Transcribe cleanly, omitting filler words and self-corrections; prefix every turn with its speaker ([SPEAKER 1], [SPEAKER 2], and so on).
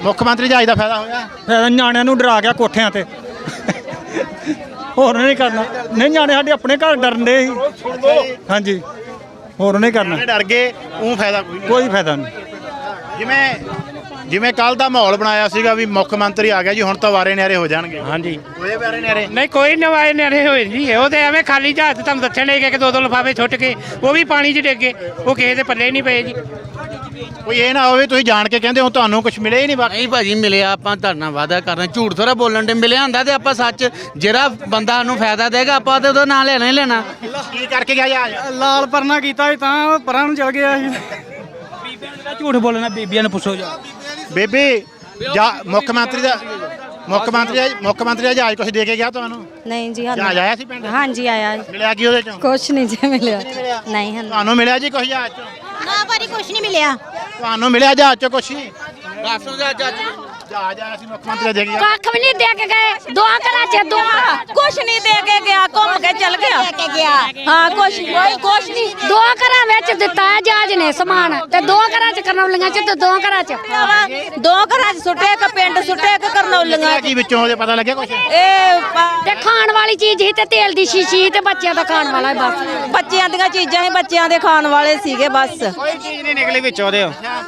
[SPEAKER 1] ਮੁੱਖ ਮੰਤਰੀ ਜਹਾਜ਼ ਦਾ ਫਾਇਦਾ ਹੋਇਆ?
[SPEAKER 2] ਫਿਰ ਨਿਆਣਿਆਂ ਨੂੰ ਡਰਾ ਗਿਆ ਕੋਠਿਆਂ ਤੇ ਹੋਰ ਨਹੀਂ ਕਰਨਾ। ਨਹੀਂ ਨਿਆਣੇ ਸਾਡੇ ਆਪਣੇ ਘਰ ਡਰਨ ਦੇ ਸੀ। ਹਾਂਜੀ ਹੋਰ ਨਹੀਂ ਕਰਨਾ।
[SPEAKER 1] ਡਰ ਗਏ ਉਹ ਫਾਇਦਾ ਕੋਈ ਨਹੀਂ।
[SPEAKER 2] ਕੋਈ ਫਾਇਦਾ ਨਹੀਂ।
[SPEAKER 1] ਜਿਵੇਂ ਕੱਲ ਦਾ ਮਾਹੌਲ ਬਣਾਇਆ ਸੀਗਾ ਵੀ ਮੁੱਖ ਮੰਤਰੀ ਆ ਗਿਆ ਜੀ ਹੁਣ ਤਾਂ ਵਾਰੇ ਨਿਆਰੇ ਹੋ ਜਾਣਗੇ।
[SPEAKER 3] ਹਾਂਜੀ
[SPEAKER 1] ਹੋਏ ਵਾਰੇ ਨਿਆਰੇ?
[SPEAKER 3] ਨਹੀਂ ਕੋਈ ਨਵਾਏ ਨਿਆਰੇ ਹੋਏ ਜੀ। ਉਹ ਤੇ ਐਵੇਂ ਖਾਲੀ ਜਹਾਜ਼ ਤੁਹਾਨੂੰ ਦੱਸਣ ਲੈ ਕੇ 2-2 ਲਿਫਾਫੇ ਛੁੱਟ ਕੇ ਉਹ ਵੀ ਪਾਣੀ 'ਚ ਡਿੱਗੇ। ਉਹ ਕਿਸੇ ਦੇ ਪੱਲੇ ਨਹੀਂ ਪਏ ਜੀ।
[SPEAKER 1] ਕੋਈ ਇਹ ਨਾ ਹੋਵੇ ਤੁਸੀਂ ਜਾਣ ਕੇ ਕਹਿੰਦੇ ਹੋ ਤੁਹਾਨੂੰ ਕੁਝ ਮਿਲਿਆ ਹੀ ਨਹੀਂ ਬਾਕੀ।
[SPEAKER 4] ਨਹੀਂ ਭਾਜੀ ਮਿਲਿਆ। ਆਪਾਂ ਧਰਨਾ ਵਾਅਦਾ ਕਰਨਾ, ਝੂਠ ਥੋੜਾ ਬੋਲਣ ਦੇ। ਮਿਲਿਆ ਹੁੰਦਾ ਤੇ ਆਪਾਂ ਸੱਚ ਜਿਹੜਾ ਬੰਦਾ ਨੂੰ ਫਾਇਦਾ ਦੇਗਾ ਆਪਾਂ ਤੇ ਉਹਦਾ ਨਾਂ ਲੈਣਾ ਹੀ ਲੈਣਾ।
[SPEAKER 1] ਕੀ ਕਰਕੇ ਗਿਆ ਜਹਾਜ਼?
[SPEAKER 2] ਲਾਲ ਪਰਨਾ ਕੀਤਾ ਸੀ ਤਾਂ ਪਰਾਂ ਨੂੰ ਚਲ ਗਿਆ ਸੀ। ਝੂਠ ਬੋਲਣਾ ਬੀਬੀਆਂ ਨੂੰ ਪੁੱਛੋ ਜਾ।
[SPEAKER 1] ਬੇਬੀ ਮੁੱਖ ਮੰਤਰੀ ਦਾ ਜਹਾਜ਼ ਕੁਝ ਦੇ ਕੇ ਗਿਆ ਤੁਹਾਨੂੰ?
[SPEAKER 5] ਨਹੀਂ ਜੀ
[SPEAKER 1] ਜਹਾਜ਼ ਆਇਆ ਸੀ ਪਿੰਡ?
[SPEAKER 5] ਹਾਂਜੀ ਆਇਆ
[SPEAKER 1] ਮਿਲਿਆ ਕੀ ਉਹਦੇ ਚੋਂ?
[SPEAKER 5] ਕੁਛ ਨਹੀਂ ਜੀ ਮਿਲਿਆ। ਨਹੀਂ ਹਾਂ
[SPEAKER 1] ਤੁਹਾਨੂੰ ਮਿਲਿਆ ਜੀ ਕੁਝ ਜਹਾਜ਼ ਚੋਂ?
[SPEAKER 5] ਨਾ ਭਾਰੀ ਕੁਛ ਨਹੀਂ ਮਿਲਿਆ।
[SPEAKER 1] ਤੁਹਾਨੂੰ ਮਿਲਿਆ ਜਹਾਜ਼ ਚੋਂ ਕੁਝ?
[SPEAKER 4] ਦੱਸੋ ਜੱਜ
[SPEAKER 1] ਜਹਾਜ਼ ਆਇਆ ਸੀ ਮੁੱਖ ਮੰਤਰੀ ਦੇ ਗਿਆ?
[SPEAKER 6] ਕੱਖ ਵੀ ਨਹੀਂ ਦੇ ਕੇ ਗਏ। ਦੋ ਘਰਾਂ ਚ
[SPEAKER 5] ਕੁਛ ਨਹੀਂ ਦੇ ਕੇ ਗਿਆ, ਘੁੰਮ ਕੇ ਚਲ ਗਿਆ। ਹਾਂ ਕੁਛ ਨਹੀਂ।
[SPEAKER 6] ਦੋ ਘਰਾਂ ਵਿੱਚ ਦਿੱਤਾ ਹੈ ਜਹਾਜ਼ ਨੇ ਸਮਾਨ ਤੇ ਦੋ ਘਰਾਂ ਚ ਕਰਨੌਲੀਆਂ ਚ ਤੇ ਦੋ ਘਰਾਂ ਚ
[SPEAKER 5] ਦੋ ਘਰਾਂ ਚ ਸੁੱਟੇ, ਇੱਕ ਪਿੰਡ ਸੁੱਟੇ, ਇੱਕ ਕਰਨੌਲੀਆਂ
[SPEAKER 1] ਕੀ ਵਿੱਚੋਂ ਉਹਦੇ ਪਤਾ ਲੱਗਿਆ ਕੁਝ?
[SPEAKER 6] ਤੇ ਖਾਣ ਵਾਲੀ ਚੀਜ਼ ਸੀ ਤੇ ਤੇਲ ਦੀ ਸ਼ੀਸ਼ੀ ਤੇ ਬੱਚਿਆਂ ਦਾ ਖਾਣ ਵਾਲਾ ਬਸ।
[SPEAKER 5] ਬੱਚਿਆਂ ਦੀਆਂ ਚੀਜ਼ਾਂ ਹੀ ਬੱਚਿਆਂ ਦੇ ਖਾਣ ਵਾਲੇ ਸੀਗੇ ਬਸ।
[SPEAKER 3] ਕੋਈ ਚੀਜ਼ ਨਹੀਂ ਨਿਕਲੀ ਵਿੱਚੋਂ ਉਹਦੇ।